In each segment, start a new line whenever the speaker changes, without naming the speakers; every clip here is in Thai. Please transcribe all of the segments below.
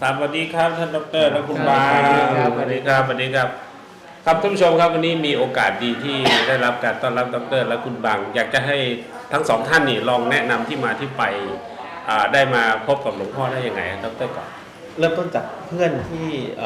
สวัสดีครับท่านดรและคุณบา
สวัสดีครับ
สวัสดีครับสวัสดีครับครับท่านผู้ชมครับวันนี้มีโอกาสดีที่ได้รับการต้อนรับดรและคุณบางอยากจะให้ทั้งสองท่านนี่ลองแนะนำที่มาที่ไปได้มาพบกับหลวงพ่อได้ยังไงดรก่อน
เริ่มต้นจากเพื่อนที่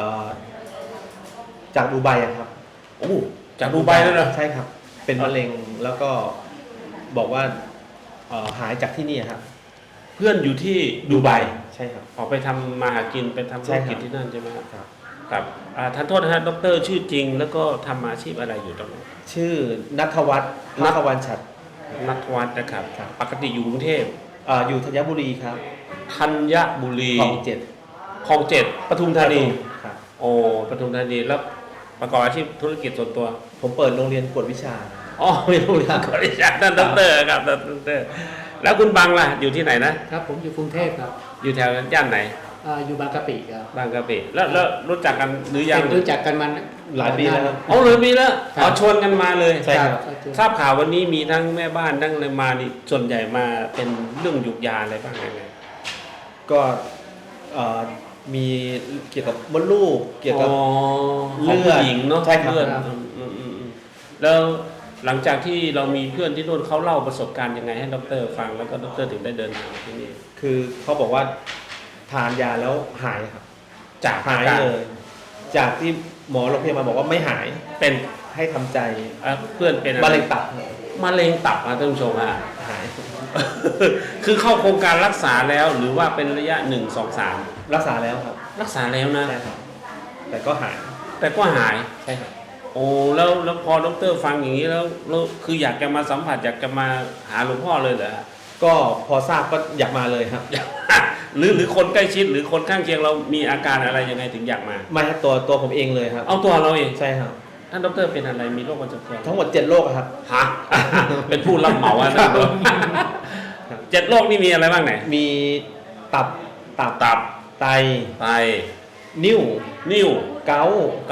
จากดูไบอะครับ
โอ้จากดูไบแล้วเหรอ
ใช่ครับเป็นมะเร็งแล้วก็บอกว่าหายจากที่นี่ครับ
เพื่อนอยู่ที่ดูไบ
ใช่ครับ
ออกไปทำมาหากินไปทำธุรกิจที่นั่นใช่ไหมครับครับท่านโทษนะฮะดรชื่อจริงแล้วก็ทำอาชีพอะไรอยู่ตรงนั้น
ชื่อณัฐวัฒน์ณัฐวัฒน์ฉัตร
ณัฐวัฒน์นะครับปกติอยู่กรุงเทพ
อยู่ธัญบุรีครับ
ธัญบุรี
คลองเจ็ด
ปทุมธานี
ครับ
โอ้ปทุมธานีแล้วประกอบอาชีพธุรกิจส่วนตัว
ผมเปิดโรงเรียนกวดวิชา
อ๋อมีโรงเรียนกวดวิชาท่านดรครับท่านดรแล้วคุณบังล่ะอยู่ที่ไหนนะครับ
ผมอยู่กรุงเทพครับ
อยู่แถวย่านไหน
อยู่บางกะปิครับ
บางกะปิแล้วรู้จักกันหรือยัง
รู้จักกันมา
หลายปีแล้ว
อ๋อเลยปีแล้วชวนกันมาเลย
ใช่ครับ
ทราบข่าววันนี้มีทั้งแม่บ้านทั้งอะไรมานี่ส่วนใหญ่มาเป็นเรื่องยุกยาอะไรบ้างไง
ก็มีเกี่ยวกับมดลูกเกี่ยวกับ
เลือดหญิงเนาะ
ใช่ครับ
เลือดแล้วหลังจากที่เรามีเพื่อนที่นู่นเขาเล่าประสบการณ์ยังไงให้ดรฟังแล้วก็ดรถึงได้เดินทางมาที่นี่
คือเขาบอกว่าทานยาแล้วหายครับ
จาก
หายเลยจากที่หมอโรงพยาบาลบอกว่าไม่หาย
เป็น
ให้ทำใจ
เพื่อนเป็น
มะเร็งตับ
มะเร็งตับท่านผู้ชม
หาย
คือเข้าโครงการรักษาแล้วหรือว่าเป็นระยะ1 2 3
รักษาแล้วครับ
รักษาแล้วนะ
แต่ก็หาย
ใช่ครับโอ้แล้วพอดรฟังอย่างนี้แล้วคืออยากจะมาสัมผัสอยากจะมาหาหลวงพ่อเลยเหรอ
ก็พอทราบก็อยากมาเลยครับ
หรือคนใกล้ชิดหรือคนข้างเคียงเรามีอาการอะไรยังไงถึงอยากมา
ไม่ครับตัวผมเองเลยครับ
เอาตัวเราเอง
ใช่ครับ
ท่านดรเป็นอะไรมีโรคประจำตัว
ทั้งหมด7โรคครับ
ฮะเป็นผู้รับเหมาท่าน7โรคนี่มีอะไรบ้างไหน
มีตับไตนิ้วเกา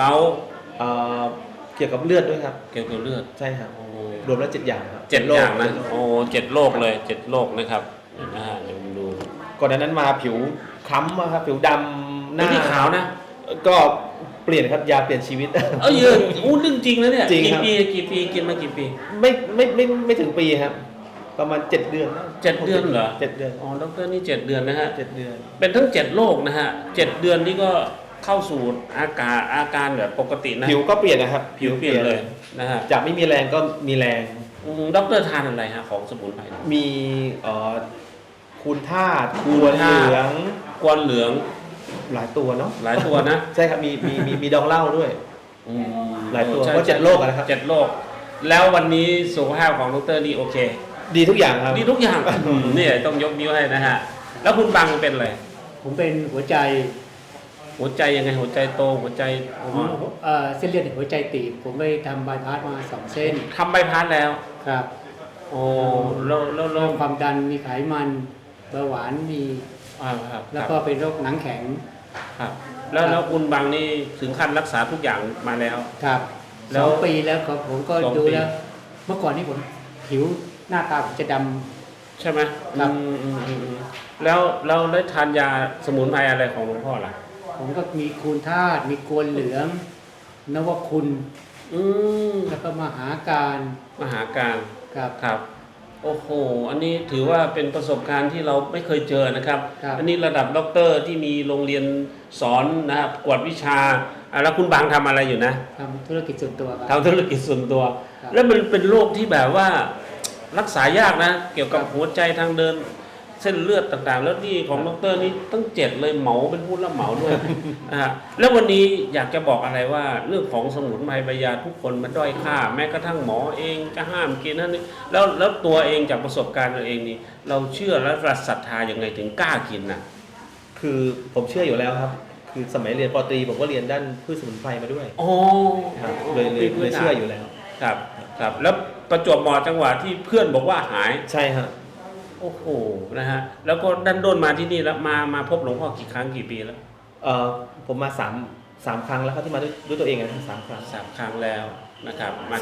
เกี่ยวกับเลือดด้วยครับ
เกี่ยวกับเลือด
ใช่ครับรวมแล้ว7อย่างครับ
7อย่างนะโอ้7โรคเลย7โรคนะครับเดี๋ยวดู
ก่อนนั้นมาผิวค้ำครับผิวดำ
หน้าขาวนะ
ก็เปลี่ยนครับยาเปลี่ยนชีวิต
เยอะเรื่องจริงแล้วเนี่ย
กี่
ปีกินมากี่ปี
ไม่ถึงปีครับประมาณ7เดือน
7 เดือนเหรอ
7 เดือน
อ๋อดรนี่7 เดือนนะฮะ
7 เดือน
เป็นทั้ง7โรคนะฮะ7เดือนนี่ก็เข้าสู่อาการแบบปกตินะ
ผิวก็เปลี่ยนนะครับ
ผิวเปลี่ยนเลยนะฮะ
จากไม่มีแรงก็มีแรง
ดรทานอะไรฮะของสมุนไพร
มีคูณธาตุกวนเหลืองหลายตัวเนาะ
หลายตัวนะ
ใช่ครับมีดองเหล้าด้วยหลายตัวเพราะ7โรคนะครับ
7โรคแล้ววันนี้สุขภาพของดรนี่โอเค
ดีทุกอย่างครับ
ดีทุกอย่างนี่ต้องยกนิ้วให้นะฮะแล้วคุณบังเป็นอะไร
ผมเป็นหัวใจ
ยังไงหัวใจโตหัวใจ
เส้นเลือดในหัวใจตีบผมไปทำบายพาสมา2เส้น
ทำบายพาสแล้ว
ครับ
โอ้แล้ว
ความดันมีไขมันเบาหวานมีแล้วก็เป็นโรคหนังแข็ง
ครับแล้วคุณบังนี่ถึงขั้นรักษาทุกอย่างมาแล้ว
ครับ2 ปีแล้วครับผมก็ดูแล้วเมื่อก่อนนี่ผมผิวหน้าตาผมจะด
ำใช่ไหมครับแล้วได้ทานยาสมุนไพรอะไรของหลวงพ่อล่ะ
ผมก็มีคูณธาตุมีกวนเหลืองนวคุณแล้วก็มหาการ
ครับโอ้โหอันนี้ถือว่าเป็นประสบการณ์ที่เราไม่เคยเจอนะครับอันนี้ระดับด็อกเตอร์ที่มีโรงเรียนสอนนะครับกวดวิชาแล้วคุณบางทำอะไรอยู่นะ
ทำธุรกิจส่วนตัว
ทำธุรกิจส่วนตัวแล้วมันเป็นโรคที่แบบว่ารักษายากนะเกี่ยวกับหัวใจทางเดินเส้นเลือดต่างๆแล้วนี่ของดรนี่ตั้ง7เลยเหมาเป็นผู้รับเหมาด้วยแล้ววันนี้อยากจะบอกอะไรว่าเรื่องของสมุนไพรใบยาทุกคนมันด้อยค่าแม้กระทั่งหมอเองก็ห้ามกินนั่นนี่แล้วตัวเองจากประสบการณ์ตัวเองนี่เราเชื่อและศรัทธายังไงถึงกล้ากินนะ
คือผมเชื่ออยู่แล้วครับคือสมัยเรียนป.ตรีผมก็เรียนด้านพืชสมุนไพรมาด้วยเลยเชื่ออยู่แล้ว
ครับแล้วประจวบเหมาะจังหวะที่เพื่อนบอกว่าหาย
ใช่ครับ
โอ้โหนะฮะแล้วก็ดันโดนมาที่นี่แล้วมาพบหลวงพ่อกี่ครั้งกี่ปีแล้ว
ผมมา3 ครั้งแล้วครับที่มาด้วยตัวเองนะ3 ครั้ง
3 ครั้งแล้วนะครับมา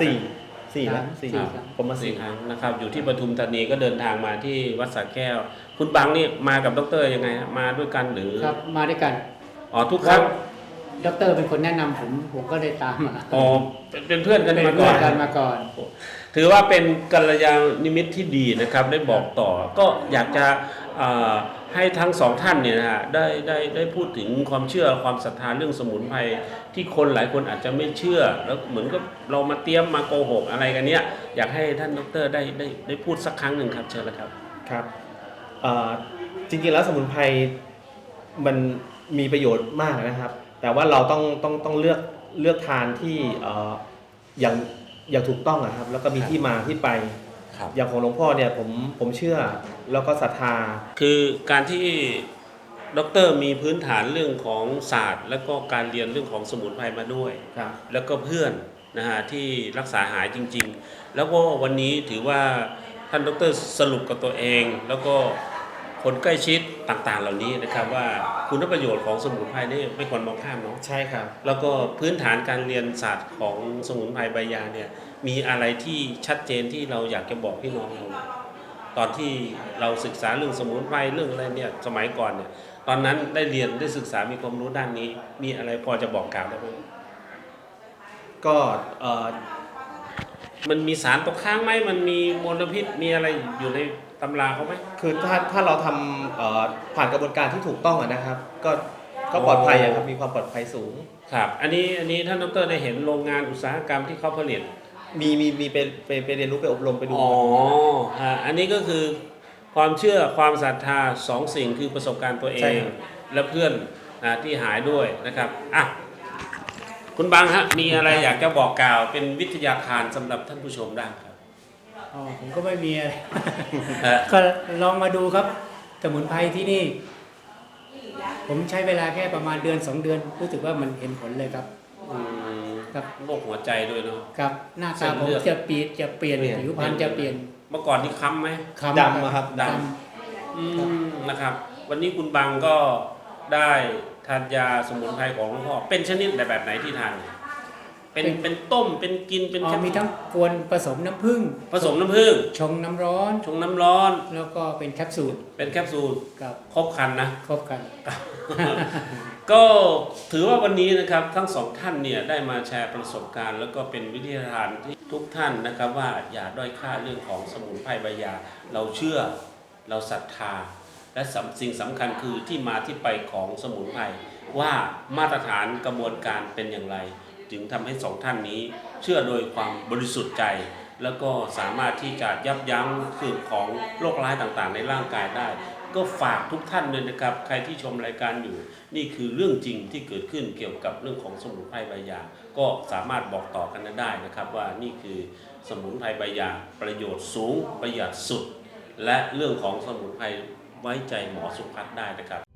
4แล้ว
ผมมา4 ครั้งนะครับอยู่ที่ปทุมธานีก็เดินทางมาที่วัดสระแก้วคุณบังนี่มากับดรยังไงฮะมาด้วยกันหรือ
ครับมาด้วยกัน
อ๋อทุกครั้ง
ด็อกเตอร์เป็นคนแนะนำผมก็เลยตามมา
อ๋อเป็นเพื่อนกัน
เป็น
มาก่
เพื่
อ
อน
น
กันมาก่อน
ถือว่าเป็นกัลยาณมิตรที่ดีนะครับได้บอกต่อ ก็อยากจะให้ทั้งสองท่านเนี่ยนะฮะได้พูดถึงความเชื่อความศรัทธาเรื่องสมุนไพรที่คนหลายคนอาจจะไม่เชื่อแล้วเหมือนกับเรามาเตรียมมาโกหกอะไรกันเนี้ยอยากให้ท่านดร.ได้พูดสักครั้งหนึ่งครับเชิญเลยครับ
ครับจริงๆแล้วสมุนไพรมันมีประโยชน์มากนะครับ แต่ว่าเราต้องเลือกทานที่อย่างถูกต้องนะครับแล้วก็มีที่มาที่ไป
ครับ
อย่างของหลวงพ่อเนี่ยผมเชื่อแล้วก็ศรัทธา
คือการที่ดร.มีพื้นฐานเรื่องของศาสตร์ แล้วก็การเรียนเรื่องของสมุนไพรมาด้วย
ครับ
แล้วก็เพื่อนนะฮะที่รักษาหายจริงๆ แล้วก็วันนี้ถือว่าท่านดร.สรุปกับตัวเอง แล้วก็คนใกล้ชิดต่างๆ เหล่านี้นะครับว่าคุณประโยชน์ของสมุนไพรนี่ไม่ควรมองข้ามเนาะ
ใช่ครับ
แล้วก็พื้นฐานการเรียนศาสตร์ของสมุนไพรใบยาเนี่ยมีอะไรที่ชัดเจนที่เราอยากจะบอกพี่น้องเราตอนที่เราศึกษาเรื่องสมุนไพรเรื่องอะไรเนี่ยสมัยก่อนเนี่ยตอนนั้นได้เรียนได้ศึกษามีความรู้ด้านนี้ มีอะไรพอจะบอกกล่าวได้ไหม
ก็
มันมีสารตกค้างไหมมันมีมลพิษมีอะไรอยู่ในตำราเขาไหม
คือถ้าเราทำผ่านกระบวนการที่ถูกต้องอะนะครับ ก็ปลอดภัยอะครับมีความปลอดภัยสูง
ครับอันนี้ท่านดร.ได้เห็นโรงงานอุตสาหกรรมที่เขาผลิต
มีไปเรียนรู้ไปอบรมไปดู
อ๋อฮะอันนี้ก็คือความเชื่อความศรัทธาสองสิ่งคือประสบการณ์ตัวเอ
ใช่
ง
ครับ
และเพื่อนที่หายด้วยนะครับอ่ะคุณบางฮะมีอะไรอยากจะบอกกล่าวเป็นวิทยาทานสำหรับท่านผู้ชมได้ครับ
อ๋อผมก็ไม่มีอะไร
ฮะ
ก็ลองมาดูครับสมุนไพรที่นี่ ผมใช้เวลาแค่ประมาณเดือน 2 เดือนรู้สึกว่ามันเห็นผลเลยครับ
อืม
ครับ
โรคหัวใจด้วยเนาะ
ครับหน้า
เส้
ตาน ผม
เลือด
จะเปลี่ยนผิวพรรณจะเปลี่ยน
เมื่อก่อนนี่ค้ำไหม
คำ
ดำอะครับ
ด นะครับ วันนี้คุณบางก็ได้ทานยาสมุนไพรของหลวงพ่อเป็นชนิดแบบไหนที่ทานเป็นต้มเป็นกินเป็น
อ๋อ
แคป
มีทั้งกวนผสมน้ำผึ้ง
ผสมน้ำผึ้ง
ชงน้ำร้อน
ชงน้ำร้อน
แล้วก็เป็นแคปซูล
เป็นแคปซูล
กับ
ครบครันนะ
ครบกัน
ก็ถือว่าวันนี้นะครับทั้งสองท่านเนี่ยได้มาแชร์ประสบการณ์ แล้วก็เป็นวิทยาทานที่ทุกท่านนะครับว่าอย่าด้อยค่าเรื่องของสมุนไพรใบยา เราเชื่อเราศรัทธา และสิ่งสำคัญคือที่มาที่ไปของสมุนไพรว่ามาตรฐานกระบวนการเป็นอย่างไร จึงทำให้สองท่านนี้เชื่อโดยความบริสุทธิ์ใจ แล้วก็สามารถที่จะยับยั้งคือของโรคร้ายต่างๆ ในร่างกายได้ ก็ฝากทุกท่านเลยนะครับ ใครที่ชมรายการอยู่ นี่คือเรื่องจริงที่เกิดขึ้นเกี่ยวกับเรื่องของสมุนไพรใบยา ก็สามารถบอกต่อกันได้นะครับ ว่านี่คือสมุนไพรใบยาประโยชน์สูงประหยัดสุด และเรื่องของสมุนไพรไว้ใจหมอสุพัฒน์ได้นะครับ